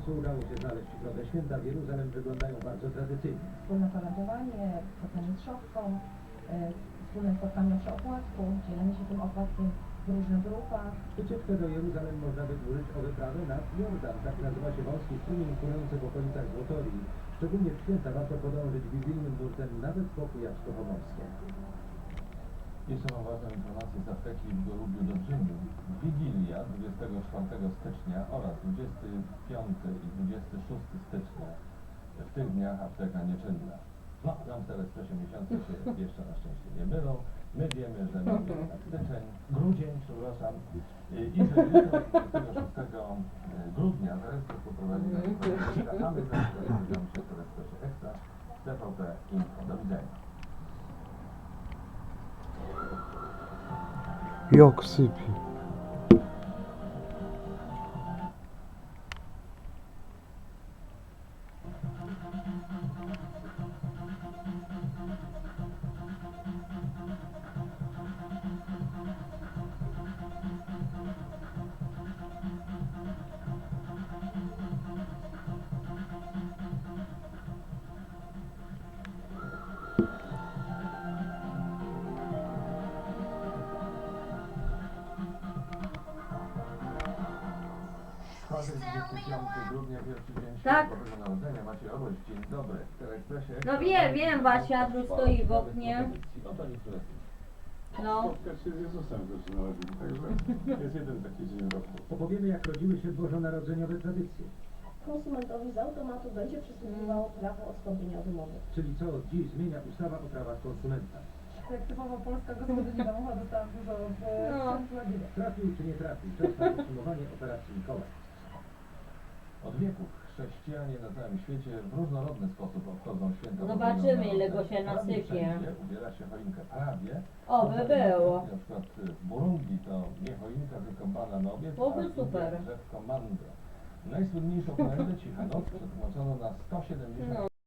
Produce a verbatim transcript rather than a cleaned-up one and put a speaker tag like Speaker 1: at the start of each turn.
Speaker 1: końcu udało się znaleźć drogę święta. W Jeruzalem wyglądają bardzo tradycyjnie.
Speaker 2: Wspólne paradowanie, spotkanie z szopką, e, wspólne spotkanie przy opłatku, dzielenie się tym opłatkiem w różnych grupach.
Speaker 1: Wycieczkę do Jeruzalem można wydłużyć o wyprawę nad Jordan. Tak nazywa się wąski strumień płynący w okolicach Złotorii. Szczególnie w święta warto podążyć biblijnym nurtem nawet po Kujawsko-Pomorskie.
Speaker 3: Jeszcze mam ważną informację z apteki w Gorubiu Dobrzyniu. Wigilia dwudziestego czwartego stycznia oraz dwudziestego piątego i dwudziestego szóstego stycznia. W tych dniach apteka nieczynna. No, nam te ekspresie miesiące się jeszcze na szczęście nie mylą. My wiemy, że mamy na styczeń, grudzień, przepraszam. I i że jutro, dwudziestego szóstego grudnia, zaraz poprowadzi nas kolejka, a my zaraz rozmawiamy się w ekspresie Ekstra z T V P Info. Do widzenia.
Speaker 4: Jak sypie.
Speaker 3: dwudziestego piątego grudnia, pierwszy dzień
Speaker 5: Tak.
Speaker 3: Bożego Narodzenia. Macie Oroś, dzień dobry. W Teleekspresie
Speaker 5: No
Speaker 3: Ekstra
Speaker 5: wiem,
Speaker 3: mamy
Speaker 5: wiem, Basia, tu stoi w oknie.
Speaker 3: Oto niektóre z nich.
Speaker 5: No.
Speaker 6: Spotkać się z Jezusem zaczynałem, także jest jeden taki dzień w roku.
Speaker 1: Opowiemy, jak rodziły się bożonarodzeniowe tradycje.
Speaker 2: Konsumentowi z automatu będzie przysługiwało prawo odstąpienia od umowy.
Speaker 1: Czyli co od dziś zmienia ustawa o prawach konsumenta.
Speaker 7: Jak typowo polska gospodyni domowa dostałam dużo w
Speaker 5: No.
Speaker 7: rodzinie.
Speaker 1: Trafił czy nie trafił? Czas na podsumowanie operacji Mikołaj.
Speaker 3: Od wieków chrześcijanie na całym świecie w różnorodny sposób obchodzą święta.
Speaker 5: Zobaczymy,
Speaker 3: Bożego
Speaker 5: ile go
Speaker 3: Narodzenia.
Speaker 5: się
Speaker 3: Prawie
Speaker 5: nasypie.
Speaker 3: wszędzie ubiera się choinkę. Prawie.
Speaker 5: Oby było.
Speaker 3: Na przykład w Burundi to nie choinka, tylko bananowiec,
Speaker 5: Byłoby
Speaker 3: a w
Speaker 5: super.
Speaker 3: drzewko mango. Najsłynniejszą kolędę Cicha Noc przetłumaczono na sto siedemdziesiąt
Speaker 5: No.